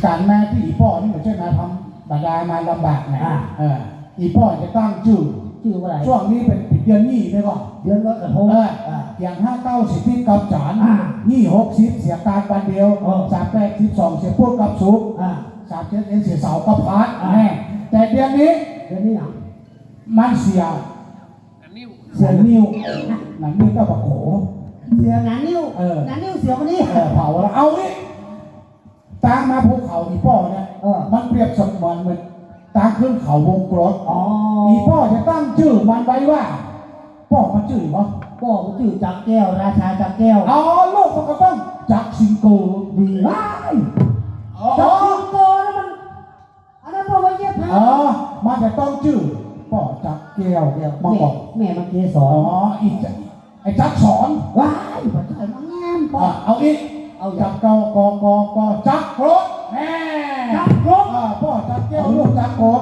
การแม่ที่อีพ่อนี่เหมือนใช่ไหมทำบรรดามาลำบากไงอีพ่อจะตั้งชื่ออะไรช่วงนี้เป็นเดือนนี้ไปก่อนเดือนลอยกระทงอย่าง59สิบกับจานนี่60เสียการวันเดียว38 12เสียพูดกับสุก37เสียเสากับพัดแต่เดือนนี้หนังมันเสียนิ้วหนังนิ้วก็บักโขเสียหนังนิ้วเสียคนนี้เผาแล้วเอาอีตามมาภูเขาอีพ่อเนี่ยมันเปรียบเสมือนเหมือนตามขึ้นเขาวงกลมอีพ่อจะตั้งชื่อมันไว้ว่าพ่อมันชื่อวะพ่อมันชื่อจักแก้วราชาจักแก้วลูกมันก็ต้องจักสิงโตดีว้ายจักสิงโตแล้วมันอันนั้นพ่อไว้เย็บผ้ามันจะต้องชื่อพ่อจักแก้วมาบอกแม่มันเกสรไอ้จักสอนว้ายพ่อใจมันงามพ่อเอาอีกจักเกากอจักรถแม่จักรถพ่อจักแก้วลูกจักรถ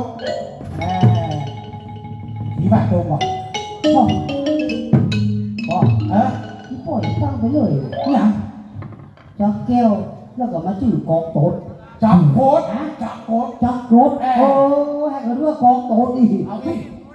ผีบ้านตรงว่ะพ่อพ่อฟังไปเลยเนี่ยจักแก้วแล้วก็มาชื่อกองโตดจักรถจักรถโอ้ให้เขาเรียกกองโตดอีกเอาอีก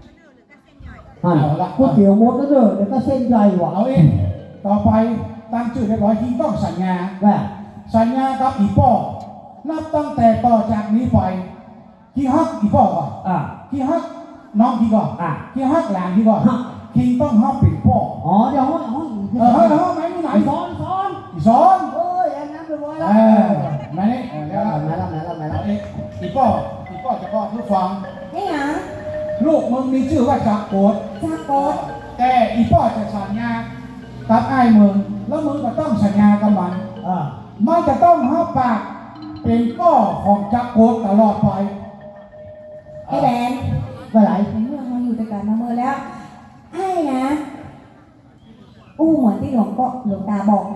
ก๋วยเตี๋ยวมดแล้วเด้อเดี๋ยวก็เส้นใหญ่ว่ะเอาอีกต่อไปตั้งชื่อเรียบร้อยที่ต้องสัญญากับอีพ่อนับตั้งแต่ต่อจากนี้ไปที่ฮักอีพ่อก่อนที่ฮักน้องที่ก่อนที่ฮักหลานที่ก่อนคิงต้องฮักปิดพ่อเดี๋ยวห้อยไหมที่ไหนสอนเอ้ยอันนั้นไปไว้แล้วมาเนี่ยแล้วอีพ่อจะบอกผู้ฟังนี่หรอลูกมึงมีชื่อว่าจักรโกดแต่อีพ่อจะสัญญากับไอ้มึงแล้วมึงก็ต้องสัญญากับมันจะต้องฮักปากเป็นก้อของจักรโกดตลอดไปไอ้แบนเมื่อไหร่เมื่อมาอยู่ด้วยกันมาเมื่อแล้วไอ้นะเหมือนที่หลวงตาบอกนะ